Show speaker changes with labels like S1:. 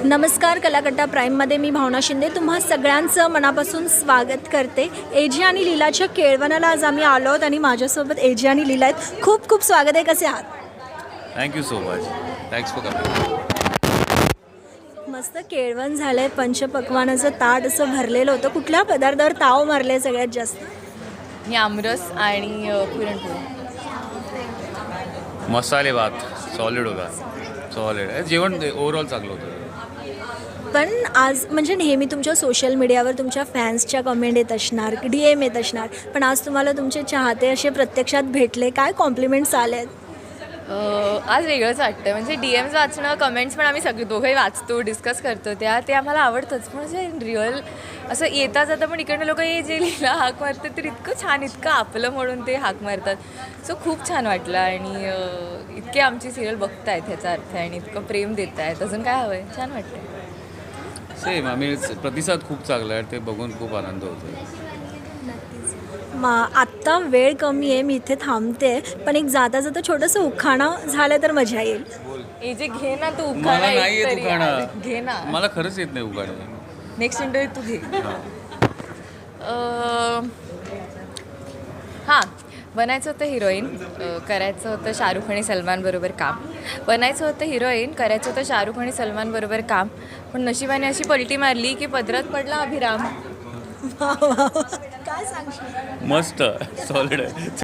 S1: नमस्कार कलाकट्टा प्राईममध्ये मी भावना शिंदे तुम्हा सगळ्यांचं मनापासून स्वागत करते. एजी आणि लीलाच्या केळवणाला आज आम्ही आलो आहोत आणि माझ्यासोबत एजी आणि लीला आहेत. खूप खूप स्वागत आहे. कसे आहात?
S2: Thank you so much. Thanks for coming.
S1: मस्त केळवण झालं आहे. पंचपक्वानाचं ताट असं भरलेलं होतं. कुठल्या पदार्थावर ताव मारले सगळ्यात जास्त?
S3: मी आमरस आणि पुरणपोळी.
S2: मसाले भात सॉलिड होता. सॉलिड जेवण ओव्हरऑल चांगलं होतं.
S1: पण आज म्हणजे नेहमी तुमच्या सोशल मीडियावर तुमच्या फॅन्सच्या कमेंट येत असणार, DM येत असणार, पण आज तुम्हाला तुमचे चाहते असे प्रत्यक्षात भेटले, काय कॉम्प्लिमेंट्स आले आहेत?
S3: आज वेगळंच वाटतं. म्हणजे DMs वाचणं, कमेंट्स पण आम्ही सगळे दोघंही वाचतो, डिस्कस करतो ते आम्हाला आवडतंच. पण म्हणजे रिअल असं येता जाता पण इकडनं लोक जे लिहिला हाक मारतात तर इतकं छान, इतकं आपलं म्हणून ते हाक मारतात. सो खूप छान वाटलं आणि इतके आमची सिरियल बघतायत ह्याचा अर्थ आहे आणि इतकं प्रेम देत आहेत. अजून काय हवं आहे? छान वाटतं.
S2: आम्ही प्रतिसाद खूप चांगला आहे, ते बघून खूप आनंद होतो.
S1: आत्ता वेळ कमी आहे, मी इथे थांबते, पण एक जाता जाता छोटंसं उखाणं झालं तर मजा येईल.
S3: हे जे घे ना तू
S2: मला
S3: उखाणा
S2: नाही येत
S3: एकतरी
S2: उखाणं.
S3: घे ना.
S2: मला खरंच येत नाही उखाणं.
S3: नेक्स्ट इंटरव्ह्यू तू घे. हां, बनायचं होतं हिरोईन, करायचं होतं शाहरुख आणि सलमान बरोबर काम. बनायचं होतं हिरोईन, करायचं होतं शाहरुख आणि सलमान बरोबर काम, पण नशिबाने अशी पलटी मारली की पदरात पडला अभिराम.
S1: काय सांगशील?
S2: मस्त सॉलिड आहे.